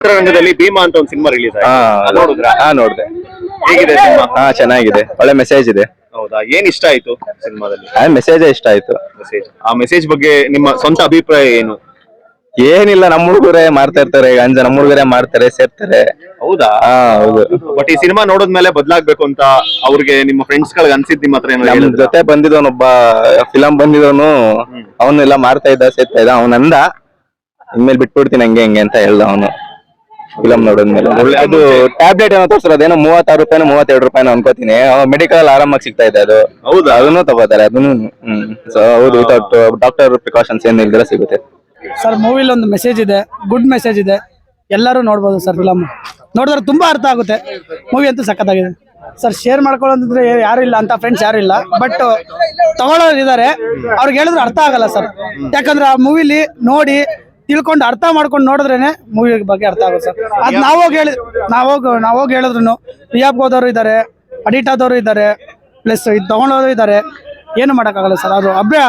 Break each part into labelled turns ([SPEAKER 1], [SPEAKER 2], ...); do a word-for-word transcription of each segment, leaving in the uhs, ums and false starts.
[SPEAKER 1] ಚಿತ್ರರಂಗದಲ್ಲಿ ಭೀಮಾ ಅಂತ ಒಂದು ಸಿನಿಮಾ ರಿಲೀಸ್ ಆಯ್ತು, ನೋಡಿದ್ರಾ?
[SPEAKER 2] ಹಾ ನೋಡಿದೆ.
[SPEAKER 1] ಹೇಗಿದೆ ಸಿನಿಮಾ?
[SPEAKER 2] ಹಾ ಚೆನ್ನಾಗಿದೆ, ಒಳ್ಳೆ ಮೆಸೇಜ್ ಇದೆ.
[SPEAKER 1] ಹೌದಾ, ಏನ್ ಇಷ್ಟ ಆಯ್ತು ಸಿನಿಮಾದಲ್ಲಿ?
[SPEAKER 2] ಮೆಸೇಜ್ ಇಷ್ಟ ಆಯ್ತು.
[SPEAKER 1] ಮೆಸೇಜ್, ಆ ಮೆಸೇಜ್ ಬಗ್ಗೆ ನಿಮ್ಮ ಸ್ವಂತ ಅಭಿಪ್ರಾಯ ಏನು?
[SPEAKER 2] ಏನಿಲ್ಲ, ನಮ್ಮ ಹುಡುಗರೇ ಮಾಡ್ತಾ ಇರ್ತಾರೆ, ಗಂಜ ನಮ್ಮ ಹುಡುಗರೇ ಮಾಡ್ತಾರೆ, ಸೇರ್ತಾರೆ.
[SPEAKER 1] ಹೌದಾ?
[SPEAKER 2] ಹಾ ಹೌದು.
[SPEAKER 1] ಬಟ್ ಈ ಸಿನಿಮಾ ನೋಡಿದ್ಮೇಲೆ ಬದಲಾಗ್ಬೇಕು ಅಂತ ಅವ್ರಿಗೆ ನಿಮ್ಮ ಫ್ರೆಂಡ್ಸ್ ಗಳಿಗೆ ಅನ್ಸಿದ್ ನಿಮ್ಮ ಹತ್ರ?
[SPEAKER 2] ನಮ್ ಜೊತೆ ಬಂದಿದವನೊಬ್ಬ ಫಿಲಂ ಬಂದಿದವನು, ಅವನ್ನೆಲ್ಲ ಮಾಡ್ತಾ ಇದ್ದ, ಸೇರ್ತಾ ಇದ್ದ. ಅವನಂದ ಇನ್ಮೇಲೆ ಬಿಟ್ಬಿಡ್ತೀನಿ ಹಂಗೆ ಹಂಗೆ ಅಂತ ಹೇಳ್ದ ಅವನು ಫಿಲಂ ನೋಡಿದ್ಮೇಲೆ. ಅದು ಟ್ಯಾಬ್ಲೆಟ್ ಏನೋ ತೋರಿಸ್ತಾರೆ, ಅದೇನೋ ಮೂವತ್ತಾರು ರೂಪಾಯಿನೋ ಮೂವತ್ತೆರಡು ರೂಪಾಯಿನೋ ಅನ್ಕೋತೀನಿ. ಮೆಡಿಕಲ್ ಆರಾಮಾಗಿ ಸಿಗ್ತಾ ಇದೆ ಅದು. ಹೌದಾ? ಅದನ್ನು ತಗೋತಾರೆ ಅದನ್ನು. ಹ್ಮ್ ಸೊ ಹೌದು, ವಿತೌಟ್ ಡಾಕ್ಟರ್ ಪ್ರಿಕಾಷನ್ಸ್ ಏನ್ ಇಲ್ದಿರ ಸಿಗುತ್ತೆ
[SPEAKER 3] ಸರ್. ಮೂವಿಲಿ ಒಂದು ಮೆಸೇಜ್ ಇದೆ, ಗುಡ್ ಮೆಸೇಜ್ ಇದೆ, ಎಲ್ಲರೂ ನೋಡ್ಬೋದು ಸರ್. ಫಿಲಮ್ ನೋಡಿದ್ರೆ ತುಂಬಾ ಅರ್ಥ ಆಗುತ್ತೆ. ಮೂವಿ ಅಂತೂ ಸಖತ್ತಾಗಿದೆ ಸರ್. ಶೇರ್ ಮಾಡ್ಕೊಳ್ಳೋದಂದ್ರೆ ಯಾರು ಇಲ್ಲ ಅಂತ ಫ್ರೆಂಡ್ಸ್ ಯಾರು ಇಲ್ಲ, ಬಟ್ ತಗೊಳ್ಳೋರು ಇದಾರೆ. ಅವ್ರಿಗೆ ಹೇಳಿದ್ರೆ ಅರ್ಥ ಆಗಲ್ಲ ಸರ್, ಯಾಕಂದ್ರೆ ಆ ಮೂವಿಲಿ ನೋಡಿ ತಿಳ್ಕೊಂಡು ಅರ್ಥ ಮಾಡ್ಕೊಂಡು ನೋಡಿದ್ರೇನೆ ಮೂವಿ ಬಗ್ಗೆ ಅರ್ಥ ಆಗುತ್ತೆ ಸರ್. ಅದ್ ನಾವೋಗಿ ಹೇಳಿ ನಾವೋಗಿ ನಾವೋಗಿ ಹೇಳಿದ್ರು ರಿಯಾಬ್ ಹೋದವರು ಇದ್ದಾರೆ, ಅಡಿಟ್ ಆದವರು ಇದ್ದಾರೆ, ಪ್ಲಸ್ ಇದು ತಗೊಳ್ಳೋರು ಇದ್ದಾರೆ. ಏನು ಮಾಡೋಕ್ಕಾಗಲ್ಲ ಸರ್. ಅದು ಅಭ್ಯ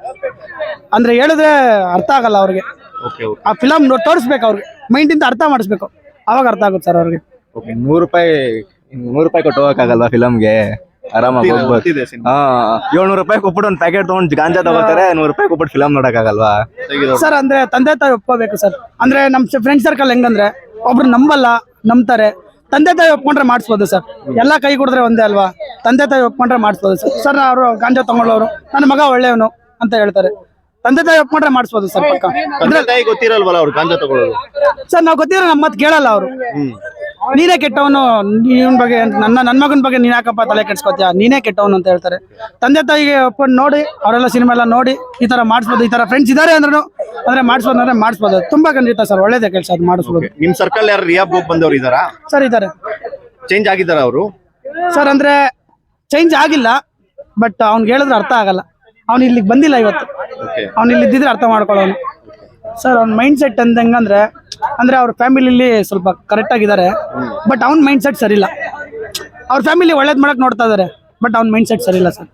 [SPEAKER 3] ಅಂದ್ರೆ ಹೇಳಿದ್ರೆ ಅರ್ಥ ಆಗಲ್ಲ ಅವ್ರಿಗೆ. ಆ ಫಿಲಮ್ ತೋರಿಸ್ಬೇಕು ಅವ್ರಿಗೆ, ಮೈಂಡಿಂದ ಅರ್ಥ ಮಾಡಿಸ್ಬೇಕು, ಅವಾಗ ಅರ್ಥ ಆಗುತ್ತೆ ಸರ್ ಅವ್ರಿಗೆ.
[SPEAKER 2] ನೂರು ರೂಪಾಯಿ ನೂರು ರೂಪಾಯಿ ಕೊಟ್ಟು ಹೋಗಕ್ಕಾಗಲ್ವಾ ಫಿಲಮ್ಗೆ? ಆರಾಮಾಗಿ ಹೋಗ್ಬೋದು. ಹಾ, ಏಳ್ನೂರು ರೂಪಾಯಿ ಕೊಟ್ಬಿಟ್ಟು ಒಂದು ಪ್ಯಾಕೆಟ್ ತಗೊಂಡು ಗಾಂಜಾ ತಗೋತಾರೆ, ನೂರು ರೂಪಾಯಿ ಕೊಟ್ಬಿಟ್ಟು ಫಿಲಮ್ ನೋಡಕ್ಕಾಗಲ್ವಾ
[SPEAKER 3] ಸರ್? ಅಂದ್ರೆ ತಂದೆ ತಾಯಿ ಒಪ್ಕೋಬೇಕು ಸರ್. ಅಂದ್ರೆ ನಮ್ ಫ್ರೆಂಡ್ ಸರ್ಕಲ್ ಹೆಂಗಂದ್ರೆ ಒಬ್ರು ನಂಬಲ್ಲ, ನಂಬ್ತಾರೆ. ತಂದೆ ತಾಯಿ ಒಪ್ಕೊಂಡ್ರೆ ಮಾಡಿಸ್ಬೋದು ಸರ್. ಎಲ್ಲಾ ಕೈ ಕುಡಿದ್ರೆ ಒಂದೇ ಅಲ್ವಾ? ತಂದೆ ತಾಯಿ ಒಪ್ಕೊಂಡ್ರೆ ಮಾಡಿಸ್ಬೋದು ಸರ್. ಸರ್ ಅವರು ಗಾಂಜಾ ತಗೊಳ್ಳೋರು, ನನ್ನ ಮಗ ಒಳ್ಳೆಯವನು ಅಂತ ಹೇಳ್ತಾರೆ. ತಂದೆ ತಾಯಿ ಒಪ್ಕೊಂಡ್ರೆ ಮಾಡಿಸ್ಬೋದು ಸರ್ ಪಕ್ಕ.
[SPEAKER 1] ಗೊತ್ತಿರಲ್ವಲ್ಲ ಅವ್ರು ಗಾಂಜಾ ತಗೊಳ್ಳೋದು
[SPEAKER 3] ಸರ್. ನಾವು ಗೊತ್ತಿರೋ ನಮ್ಮ ಮಾತು ಕೇಳಲ್ಲ ಅವರು. ನೀನೇ ಕೆಟ್ಟವನು, ಇವನ್ ಬಗ್ಗೆ ನನ್ನ ನನ್ನ ಮಗನ ಬಗ್ಗೆ ನೀನ್ ಯಾಕಪ್ಪ ತಲೆ ಕೆಡ್ಸ್ಕೊತೀಯ, ನೀನೇ ಕೆಟ್ಟವನು ಅಂತ ಹೇಳ್ತಾರೆ. ತಂದೆ ತಾಯಿಗೆ ಒಪ್ಕೊಂಡು ನೋಡಿ ಅವರೆಲ್ಲ ಸಿನಿಮಾ ಎಲ್ಲ ನೋಡಿ ಈ ತರ ಮಾಡಿಸ್ಬೋದು. ಈ ತರ ಫ್ರೆಂಡ್ಸ್ ಇದಾರೆ ಅಂದ್ರೂ ಅಂದ್ರೆ ಮಾಡಿಸ್ಬೋದು ಅಂದ್ರೆ ಮಾಡಿಸ್ಬೋದು. ತುಂಬಾ ಖಂಡಿತ ಸರ್, ಒಳ್ಳೇದೇ ಕೆಲಸ ಅದು ಮಾಡಿಸ್ಬೋದು.
[SPEAKER 1] ನಿಮ್ ಸರ್ಕಲ್ ಯಾರು ರಿಯಾಬ್ ಬಂದವ್ರು ಇದಾರಾ
[SPEAKER 3] ಸರ್? ಇದಾರೆ.
[SPEAKER 1] ಚೇಂಜ್ ಆಗಿದಾರ ಅವರು
[SPEAKER 3] ಸರ್? ಅಂದ್ರೆ ಚೇಂಜ್ ಆಗಿಲ್ಲ, ಬಟ್ ಅವ್ನಿಗೆ ಹೇಳಿದ್ರೆ ಅರ್ಥ ಆಗಲ್ಲ. ಅವ್ನು ಇಲ್ಲಿಗೆ ಬಂದಿಲ್ಲ ಇವತ್ತು, ಅವ್ನು ಇಲ್ಲಿ ಇದ್ದಿದ್ರೆ ಅರ್ಥ ಮಾಡ್ಕೊಳ್ಳೋನು ಸರ್. ಅವ್ನ ಮೈಂಡ್ ಸೆಟ್ ಅಂತ ಹೆಂಗಂದ್ರೆ ಅಂದ್ರೆ ಅವ್ರ ಫ್ಯಾಮಿಲಿಲಿ ಸ್ವಲ್ಪ ಕರೆಕ್ಟ್ ಆಗಿದ್ದಾರೆ, ಬಟ್ ಅವ್ನ ಮೈಂಡ್ ಸೆಟ್ ಸರಿ ಇಲ್ಲ. ಅವ್ರ ಫ್ಯಾಮಿಲಿ ಒಳ್ಳೇದ್ ಮಾಡಕ್ ನೋಡ್ತಾ ಇದಾರೆ, ಬಟ್ ಅವ್ನ ಮೈಂಡ್ ಸೆಟ್ ಸರಿ ಇಲ್ಲ ಸರ್.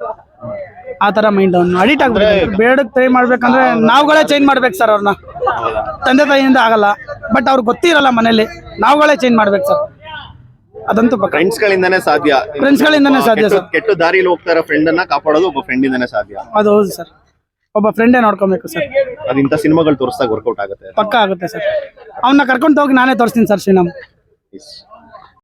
[SPEAKER 3] ಆ ತರ ಮೈಂಡ್ ಅವ್ನು ಅಡಿಟ್ ಆಗ್ಬೇಕು. ಬೇಡಕ್ ಟ್ರೈ ಮಾಡ್ಬೇಕಂದ್ರೆ ನಾವುಗಳೇ ಚೇಂಜ್ ಮಾಡ್ಬೇಕು ಸರ್ ಅವ್ರನ್ನ. ತಂದೆ ತಾಯಿಯಿಂದ ಆಗಲ್ಲ, ಬಟ್ ಅವ್ರಿಗೆ ಗೊತ್ತಿರಲ್ಲ ಮನೇಲಿ, ನಾವುಗಳೇ ಚೇಂಜ್ ಮಾಡ್ಬೇಕು ಸರ್. ಅದಂತೂ
[SPEAKER 1] ಫ್ರೆಂಡ್ಸ್ ಗಳಿಂದಾನೇ ಸಾಧ್ಯ.
[SPEAKER 3] ಫ್ರೆಂಡ್ಸ್ ಗಳಿಂದಾನೇ ಸಾಧ್ಯ ಸರ್.
[SPEAKER 1] ಕೆಟ್ಟ ದಾರಿಲಿ ಹೋಗ್ತಾರ ಫ್ರೆಂಡ್ ಅನ್ನ ಕಾಪಾಡೋದು ಒಬ್ಬ ಫ್ರೆಂಡ್ ಇಂದಾನೇ ಸಾಧ್ಯ.
[SPEAKER 3] ಅದು ಹೌದು ಸರ್, ಒಬ್ಬ ಫ್ರೆಂಡೇ ನೋಡ್ಕೊಬೇಕು ಸರ್.
[SPEAKER 1] ಅದು ಇಂಥ ಸಿನಿಮಾಗಳು ತೋರಿಸಿದಾಗ ವರ್ಕೌಟ್ ಆಗುತ್ತೆ,
[SPEAKER 3] ಪಕ್ಕ ಆಗುತ್ತೆ ಸರ್. ಅವನ್ನ ಕರ್ಕೊಂಡು ಹೋಗಿ ನಾನೇ ತೋರಿಸ್ತೀನಿ ಸರ್ ಶ್ರೀರಾಮ್.